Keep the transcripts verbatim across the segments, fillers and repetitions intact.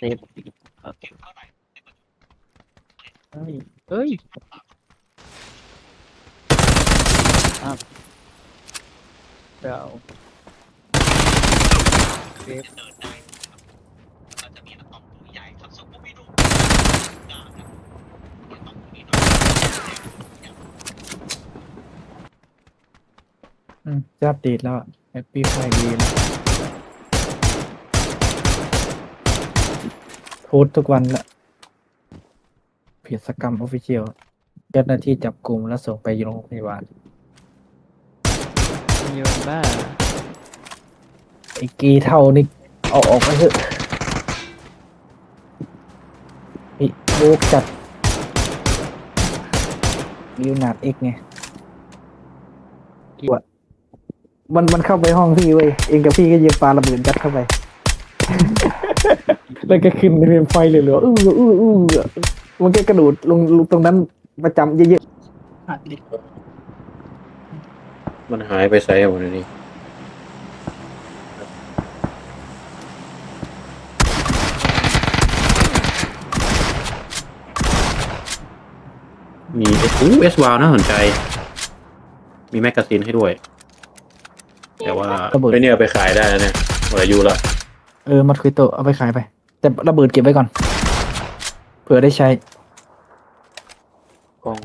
เซฟโอเคเฮ้ยเฮ้ยอ้าวเราเซฟอืมจะอัปเดตแล้วแฮปปี้ไฟเดย์แล้วโพสต์ทุกวันละเพจสกรรมออฟฟิเชียลเจ้าหน้าที่จับกลุ่มแล้วส่งไปโรงพยาบาลโยนบ้าไอ้กีเท่านี่เอาออกไปเถอะไอ้โบกจัดลิวนาร์ดเอ็กไงวดมันมันเข้าไปห้องพี่เว้ยเองกับพี่ก็ยิงปาระเบิดยัดเข้าไป แล้วก็ขึ้นในเฟรมไฟเหลือๆอื้ออื้ออื้อมันก็กระโดดลงลงตรงนั้นประจำเยอะหัดดิมันหายไปไซส์หมดเลยนี่มีเอสอู้เอสวาวน่าสนใจ มีแมกกาซีนให้ด้วย แต่ว่าไอเนี่ยไปขายได้แล้วเนี่ยหมดอายุแล้วๆเออมัดคุยโตะเอาไปขายไป แต่ระเบิดเก็บไว้ก่อนเผื่อได้ใช้กล้อง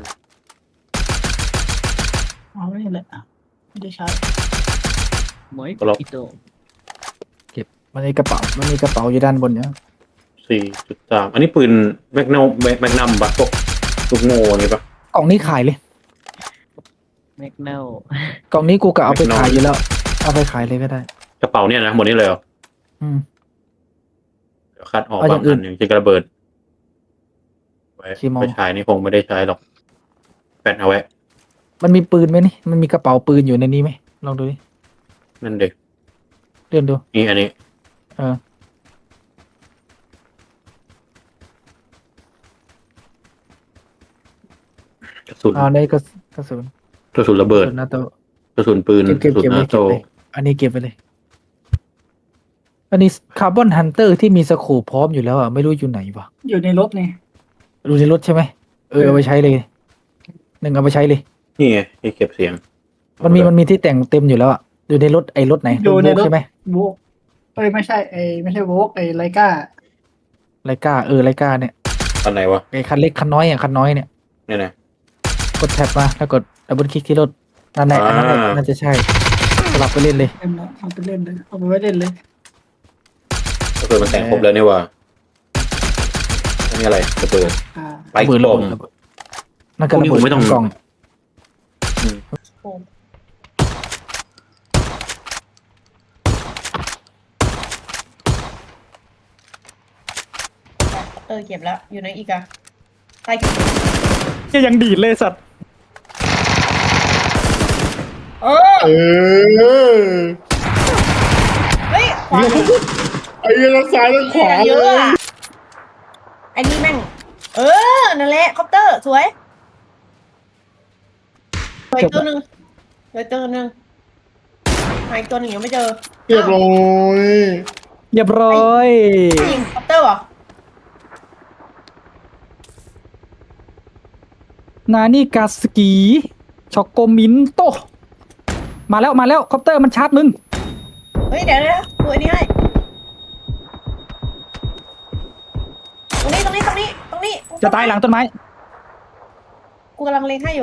เอาไม่เลยอ่ะไม่ได้ใช้หมวยอิโตะมันมีกระเป๋ามันมีกระเป๋าอยู่ด้านบนเนี่ยสี่จุดสามอันนี้ปืนแมกนัมแมกนัมปะพวกลูกโม่นี่ปะกล่องนี้ขายเลยแมกเนลกล่องนี้กูกะเอาไปไม่น้อยขายอยู่แล้ว เอาไปขายเลยก็ได้กระเป๋าเนี่ยนะหมดนี้เลยเหรออืมเดี๋ยวคัดออกเอาอบาย่าง งอื่อันนหนึ่งจะระเบิดไว้ขี้เมาไปฉายนี่คงไม่ได้ใช้หรอกแปะเอาไว้มันมีปืนไหมนี่ มันมีกระเป๋าปืนอยู่ในนี้ไหมลองดูดินั่นเด็กเลื่อนดูนี่อันนี้เออกระสุนเอาในกระกระสุนกระสุนระเบิดกระสุนนาโตกระสุนปืนเก็บกเก็บระสุนเก็บนาเลยโตเก็บเลยอันนี้เก็บไปเลย อันนี้คาร์บอนฮันเตอร์ที่มีสโคปพร้อมอยู่แล้วอ่ะไม่รู้อยู่ไหนวะอยู่ในรถนี่ดูในรถใช่ไหมเออเอาไปใช้เลยหนึ่งเอาไปใช้เลยนี่ไงที่เก็บเสียงมันมีมันมีที่แต่งเต็มอยู่แล้วอ่ะอยู่ในรถไอ้รถไหนอยู่ในรถใช่ไหมโวกเอ้ยไม่ใช่ไอ้ไม่ใช่โวกไอ้ไลกาไลกาเออไลกาเนี่ยอันไหนวะไอ้คันเล็กคันน้อยอ่ะคันน้อยเนี่ยเนี่ยนะกดแท็บมาแล้วกดดับเบิลคลิกที่รถนั่นแหละอันนั้นแหละอ่าน่าจะใช่สลับไปเล่นเลยเล่นแล้วเอาไปเล่นเลยเอาไปไว้เล่นเลยก็คือมันแต่งครบแล้วนี่ว่าอันนี้อะไรระเบิดอ่าไปกล่องระเบิดนั่นก็พวกระนี้เบิดผมไม่ต้องกล่องเออเก็บแล้ว อยู่ในอีกอะใต้เก็บจะยังดีดเลยสัตว์เออเออเฮ้ยขวาไอ้เหี้ยทั้งซ้ายทั้งขวาเยเลอะยอะไอ้นี่แม่ง เออ นั่นแหละคอปเตอร์ สวยสวยตัวหนึ่งสวยตัวหนึ่งหายตัวหนึ่งยังไม่เจอเรียบร้อยเรียบร้อยยิงคอปเตอร์เหรอนานี่กาสกีช็อกโกมินโตมาแล้วมาแล้วคอปเตอร์มันชาร์จมึงเฮ้ย เดี๋ยวเดี๋ยวดูอันนี้ให้ตรงนี้ตรงนี้ตรงนี้ตรงนี้จะตายหลังต้นไม้กูกำลังเล็งให้อยู่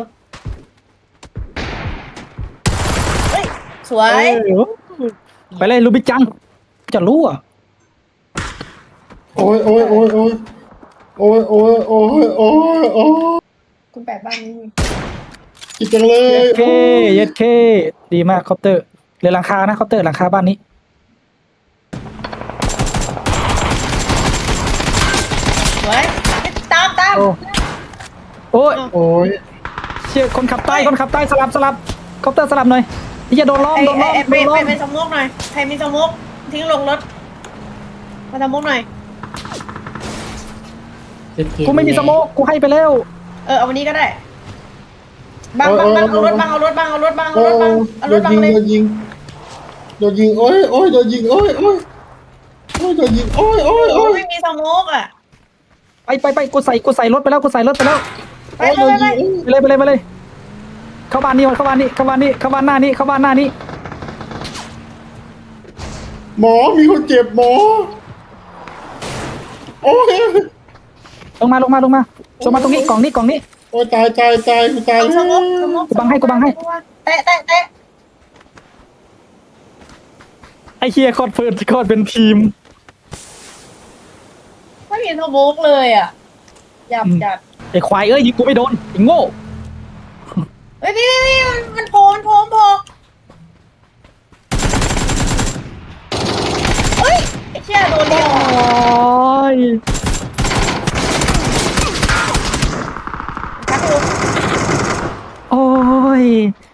เฮ้ย สวยไปเลยลูบิจัง จะรู้อ่ะโอ้ยโอ้ยโอ้ยโอ้ยโอ้ยโอ้ยโอ้ยโอ้ยโอ้ยคุณแปดบ้านนี้มีคิดจังเลยเย็ดเคเย็ดเคดีมากคอปเตอร์เหลือหลังคานะคอปเตอร์หลังคาบ้านนี้สวยตามตามโอ้โอ้ยโอ้ยเชี่ยคนขับใต้คนขับใต้สลับสลับคอปเตอร์สลับหน่อยที่จะโดนล้อมไอ้โดนล้อมไอ้โดไปนล้ไปอมไปสมมุกหน่อย ใครมีสมมุกทิ้งลงรถ มาสมมุกหน่อยกูไม่มีสโมกกูให้ไปแล้วเออเอาวันนี้ก็ได้บังบังบังเอารถบังเอารถบังเอารถบังเอาโอ้รถบังยเอาโดรถนบังยิงเลยโดนยิงโดนยิงโอ้ยโอ้ยโดนยิงโอ้ยโอ้ยโอ้ยโดนยิงโอ้ยโอ้ยโอ้โอ้ยไม่มีสโมกอ่ะไปไปไปกูใส่กูใส่รถไปแล้วกูใส่รถไปแล้วไปไปไปไปไปเลยไปเลยไปเลยเข้าบ้านนี้เข้าบ้านนี้เข้าบ้านนี้เข้าบ้านหน้านี้เข้าบ้านหน้านี้หมอมีคนเจ็บหมอโอ้ยลงมาลงมาลงมาลงมาตรงนี้กล่องนี้กล่องนี้โอ้ยตายตายตายกูตายเอาแล้สโมกสวโมกกูบังให้กูบังให้แตะแตะแตะไอ้เฮียโคตรเฟิร์โคตรเป็นทีมไม่มีสโมกเลยอ่ะหยับจัดไอ้ควายเอ้ยยิงกูไม่โดนไอ้โง่เฮ้ยพี่พี่พี่มันมันโผล่มันโผล่มันโผล่เฮ้ยไอ้เชี่ยโดนเดียวโอ้ยชักลูกโอ้ย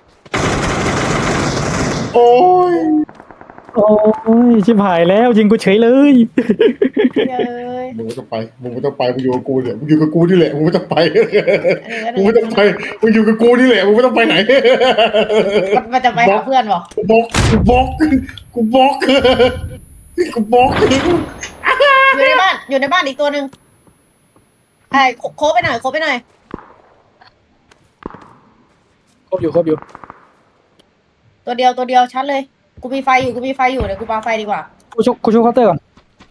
โอ้ยโอ้ยชิบหายแล้วยิงกูเฉยเลยเย้ยมึงไม่ต้องไปมึงไม่ต้องไปมึงอยู่กับกูเนี่ยมึงอยู่กับกูนี่แหละมึงไม่ต้องไปอันนี้มึงไม่ต้องไปมึงอยู่กับกูนี่แหละมึงไม่ต้องไปไหนมันมันจะไปหาเพื่อนบอกกูบล็อกกูบล็อกกูบล็อกกูบล็อกอยู่ในบ้านอยู่ในบ้านอีกตัวหนึ่งไอ้โคโคบไปหน่อยโคบไปหน่อยครบอยู่ครบอยู่ตัวเดียวตัวเดียวชัดเลยกูมีไฟอยู่กูมีไฟอยู่เดี๋ยวกูปาไฟดีกว่ากูชุบกูชุบเคาน์เตอร์ก่อน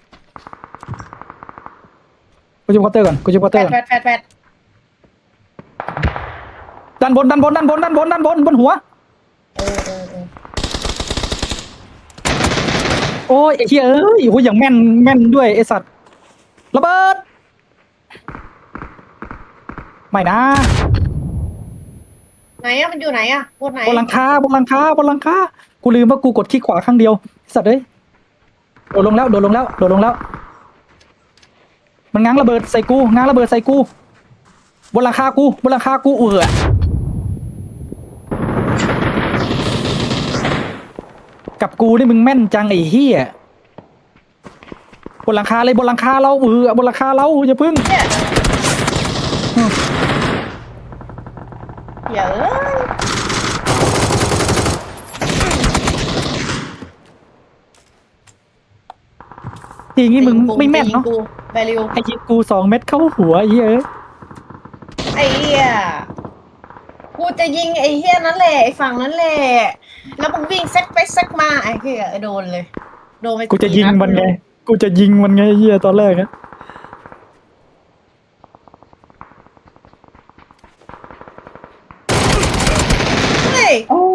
กูชุบเคาน์เตอร์ก่อนกูชุบเคาน์แฟเตอร์ดก่อนแฟดแฟดแฟดด้านบนด้านบนด้านบนด้านบนด้านบนบนหัวเออเออเออโอ้ยไอ้เหี้ยเอ้ยโอ้ยอย่างแม่นแม่นด้วยไอ้สัตว์ระเบิดไม่นะไหนอะมันอยู่ไหนอะบนไหนบนหลังคาบนหลังคาบนหลังคากูลืมว่ากูกดคลิกขวาข้างเดียวไอ้สัตว์เอ้ยโดดลงแล้วโดดลงแล้วโดดลงแล้ว มันง้างระเบิดใส่กูง้างระเบิดใส่กูบนหลังคากูบนหลังคากูเอือกับกูนี่มึงแม่นจังไอ้เหี้ยบนหลังคาเลยบนหลังคาเราเอือบนหลังคาเราอย่าพึ่งเนี่ยเดี๋ยวเอ้ยทีงี้มึงไม่แม่นเนาะกูไปเร็วไอ้ยิงกูสองเม็ดเข้าหัวไอ้เหี้ยเอ้ยไอ้เหี้ยกูจะยิงไอ้เหี้ยนั่นแหละไอ้ฝั่งนั้นแหละแล้วมึงวิ่งแซกไปแซกมาไอ้เหี้ยโดนเลยโดนไปกูจะยิงมันไงสี่ดกูจะยิงมันไงไอ้เหี้ยตอนแรกอะเฮ้ย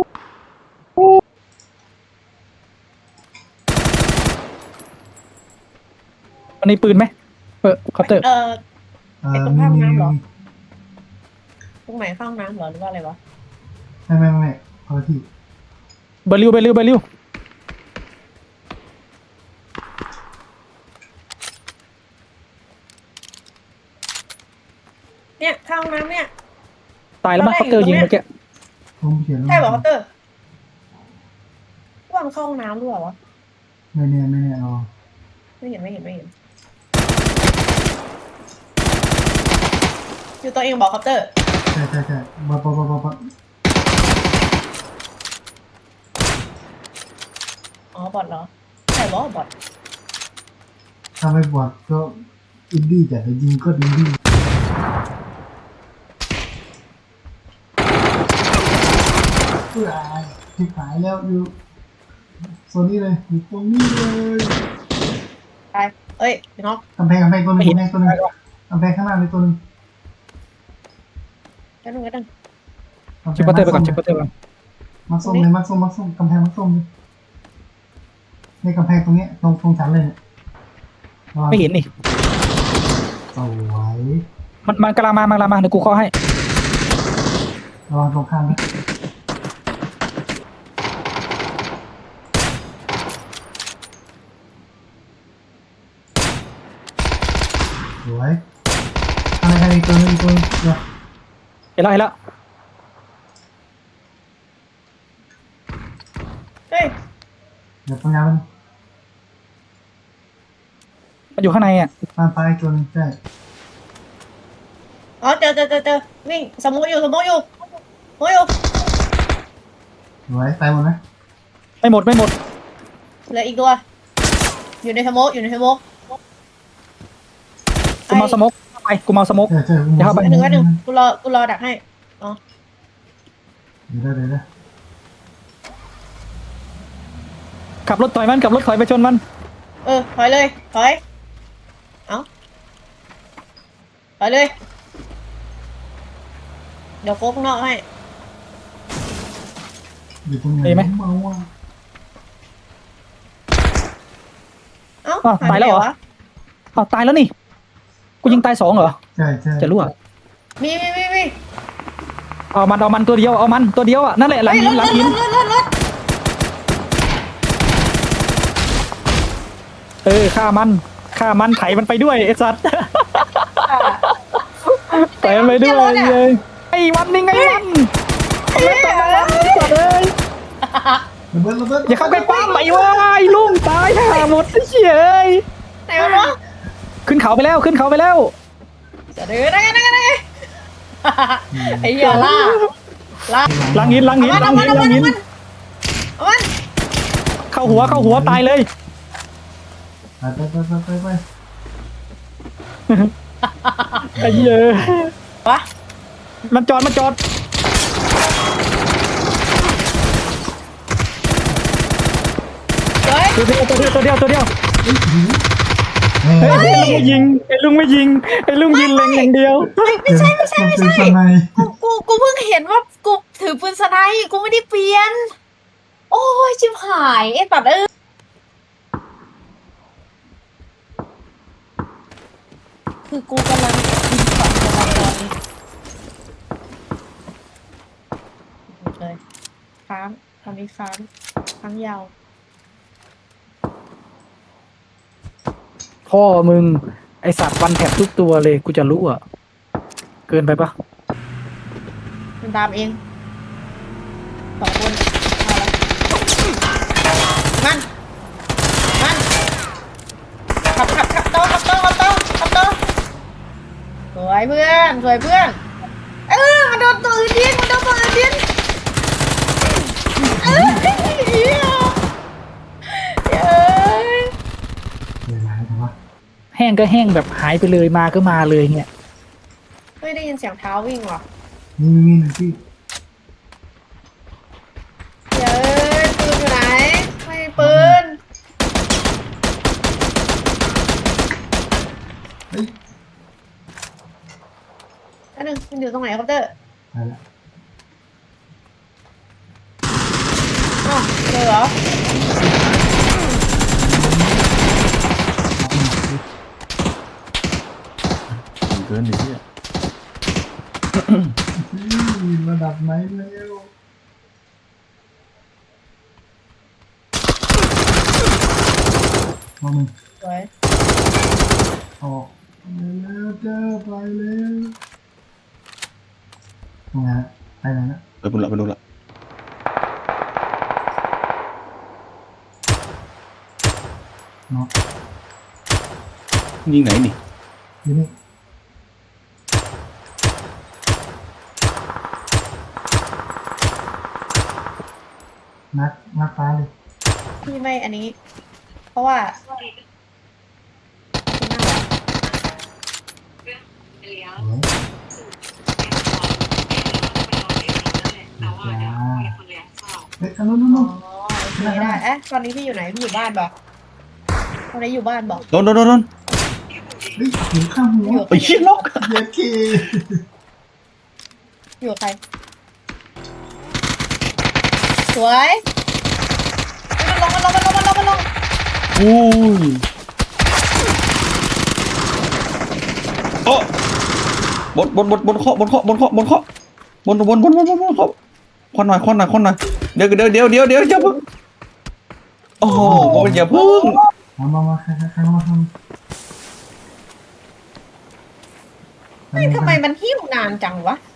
มันมีปืนไหมเออเคาน์เตอร์เออเอไอ้อตรงข้างน้ำเหรอ ตรงไหนข้างน้ำเหรอหรือว่าอะไรวะไม่ไม่ไม่เอาที่เบอร์ริวเบอร์ริวเบอร์ริวเนี่ยข้างน้ำเนี่ยตายแล้วมั้งเคาน์เตอร์ยิงเมื่อกี้ผมเขียนใช่เหรอคอปเตอร์ว่ามันเข้าห้องน้ำด้วยเหรอวะไม่แน่ไม่แน่รอไม่เห็นไม่เห็นไม่เห็นอยู่ตัวเองบอกคอปเตอร์ใช่ใช่ใช่บอลบอลบอลบอลบอลอ๋อบอทเหรอใช่บอทบอทถ้าไม่บอลก็อินดี้แต่จะยิงก็อินดี้เพื่อที่ขายแล้วอยู่โซนนี้เลยอยู่ตรงนี้เลยไปเอ้ยพี่น้องกำแพงกำแพงตัวหนึงกำแพงตัวหนึงกำแพงข้างหน้ามีตัวหนึงแป๊บนึงแป๊บนึงกำแพชิปงเคาน์เตอร์ไปก่อนชิปเคาน์เตอร์ไปก่อนมัดส้มเลยมัดส้มมัดส้มกำแพงมัดส้มเลยในกำแพงตรงเนี้ยตรงตรงชั้นเลยเนี่ยระวังไม่เห็นนี่สวยมันมันกำลังมามันกำลังมาเดี๋ยวกูเคาะให้ระวังตรงข้ามนะสวยอะไรใครอีกตัวหนึงอีกตัวหนึงเดี๋ยวเห็นแล้วเห็นแล้วเฮ้ยเดี๋ยวปัญญามันมันอยู่ข้างในอ่ะตามไปอีกตัวหนึงใช่อ๋อเจอเจอเจอเจอวิ่งสมมุติอยู่สมมุติอยู่สมมุติอยู่สวยตายหมดไหมไม่หมดไม่หมดเหลืออีกตัวอยู่ในสโมกอยู่ในสโมกกูเมาสโมกไปกูเมาสโมกใช่ใช่อย่าเข้าไปหนึ่งก็หนึ่งกูรอกูรอดักให้อ๋อเดี๋ยวได้เดี๋ยวได้ขับรถถอยมันขับรถถอยไปชนมันเออถอยเลยถอยเอาถอยเลยเดี๋ยวโค้งนอกให้อยู่ตรงไหนมีไหมเมาอ่ะเอ้าอ้าวหตายแล้วเหรอไปไนวะอ้าวตายแล้วนี่กูยิงตายสองเหรอใช่ใช่จะรู้อ่ะมีมีมีมีเอามันเอามันตัวเดียวเอามันตัวเดียวอ่ะนั่นแหละหลังเฮ้ยหินหรลัถงหินรถรถรถเออฆ่ามันฆ่ามันไถมันไปด้วยไอ้สัตว์ ไถมันไปด้วยเลยไอ้วันนี่ไงวันไอ้ตัวมันไอ้สัตว์เอ้ยระเบิดระเบิดอย่าเข้าใกล้ป้าไปวะไอ้ลุงตายห่าหมดไอ้เฉยไหนวะเนาะขึ้นเขาไปแล้วขึ้นเขาไปแล้วจะเดินได้ไงได้ไงได้ไงไอ้เหี้ยล่าล่าหลังหินหลังหินเอาหลัมันงเอาหินมันหลัเอางหินมันเอามันเข้าหัวเข้าหัวตายเลยไปไปไปไปไปไปไอ้เหี้ยวะมันจอดมันจอดเฮ้ยตัวเดียวตัวเดียวตัวเดียวตัวเดียวเฮ้ยเฮ้ยไอ้ลุงไม่ยิงไอ้ลุงไม่ยิงไอ้ลุงยิงเล็งอย่างเดียวไม่ใช่ไม่ใช่ไม่เป็นใช่สไนกูกูกูเพิ่งเห็นว่ากูถือปืนสไนป์กูไม่ได้เปลี่ยน โอ้ยชิบหายไอ้ตัดเอ้ยคือกูกำลังยิงฝังกำลังตอนนี้เลยค้างทำนี้ค้างค้างยาวพ่อมึงไอสัตว์วันแถบทุกตัวเลยกูจะรู้อ่ะเกินไปปะมันตามเองสองคนเอาละมันมันขับขับขับโตขับโตขับโตขับโตสวยเพื่อนสวยเพื่อนเออมันโดนตัวอื่นยิงมันโดนตัวอื่นยิงเอ้ยเหี้ยเย้ยเดี๋ยวนะแต่ว่าแห้งก็แห้งแบบหายไปเลยมาก็มาเลยเนี่ยไม่ได้ยินเสียงเท้าวิ่งหรอมีมีหนึ่งที่เย้ยปืนอยู่ไหนไม่มีปืนเฮ้ยอันหนึ่งมันอยู่ตรงไหนครับเตอร์ไปละอ้าวเจอเหรอเกินดิเนี่ยนี่ระดับไหนแล้วเอามึงสวยออกไปแล้วเจ้าไปแล้วตรงไหนฮะไปไหนนะไปบุญละไปบุญละเนาะยิงไหนนี่อยู่นี่นักนักฟ้าเลยพี่ไม่อันนี้ เพราะว่าคุณน่ารักโอ้ยจ้าเฮ้ยอันนู้นนู้นอ๋นู้อน โอเคได้เอ๊ะตอนนี้พี่อยู่ไหนพี่อยู่บ้านบอกตอนนี้อยู่บ้านบอกโดนโดนโดนโดนเฮ้ยหูข้างหัวไอ้เชี่ยล็อกเย็ดเคอยู่กับใครสวยมันลงมันลงมันลงมันลงมันลงอุ้ยโอ้บนบนบนบนเคาะบนเคาะบนเคาะบนเคาะบนบนบนบนบนบนเคาะควันหน่อยควันหน่อยควันหน่อยเดี๋ยวเดี๋ยวเดี๋ยวเดี๋ยวเดี๋ยวอย่าเพิ่งโอ้โหอย่าเพิ่งมามามาใครใครใครมาทำเฮ้ยทำไมมันหิ้วนานจังวะ